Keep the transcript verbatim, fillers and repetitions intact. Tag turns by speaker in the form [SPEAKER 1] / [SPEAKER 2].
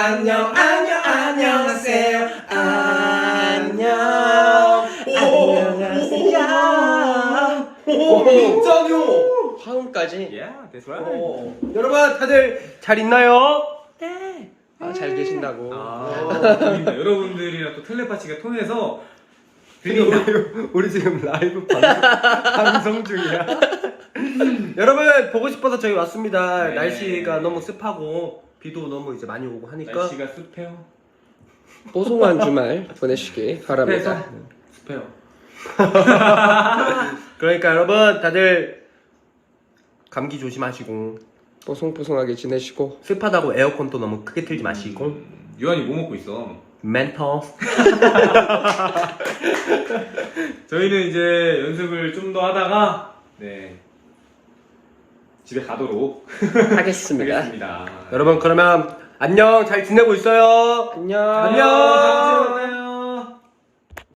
[SPEAKER 1] 안녕 안녕 안녕하세요. 안녕 안녕하세요.
[SPEAKER 2] 오, 민정요.
[SPEAKER 1] 화음까지.
[SPEAKER 3] Yeah, that's right.
[SPEAKER 2] 어, 여러분 다들 잘 있나요?
[SPEAKER 1] 네. 아, 잘 계신다고.
[SPEAKER 3] 아, 재밌다. 여러분들이랑 또 텔레파시가 통해서
[SPEAKER 2] 우리, 우리 지금 라이브 방송, 방송 중이야. 여러분 보고 싶어서 저희 왔습니다.
[SPEAKER 3] 네.
[SPEAKER 2] 날씨가 너무 습하고 비도 너무 이제 많이 오고 하니까
[SPEAKER 3] 날씨가 습해요.
[SPEAKER 1] 뽀송한 주말 보내시기 바랍니다.
[SPEAKER 3] 습해요.
[SPEAKER 2] 그러니까 여러분 다들 감기 조심하시고
[SPEAKER 1] 뽀송뽀송하게 지내시고.
[SPEAKER 2] 습하다고 에어컨도 너무 크게 틀지 마시고
[SPEAKER 3] 음, 유한이 뭐 먹고 있어?
[SPEAKER 2] 멘토.
[SPEAKER 3] 저희는 이제 연습을 좀 더 하다가 네 집에 가도록
[SPEAKER 1] 하겠습니다.
[SPEAKER 3] 하겠습니다.
[SPEAKER 2] 여러분 그러면 안녕 잘 지내고 있어요.
[SPEAKER 1] 안녕.
[SPEAKER 2] 안녕.
[SPEAKER 3] 다음 주에 만나요.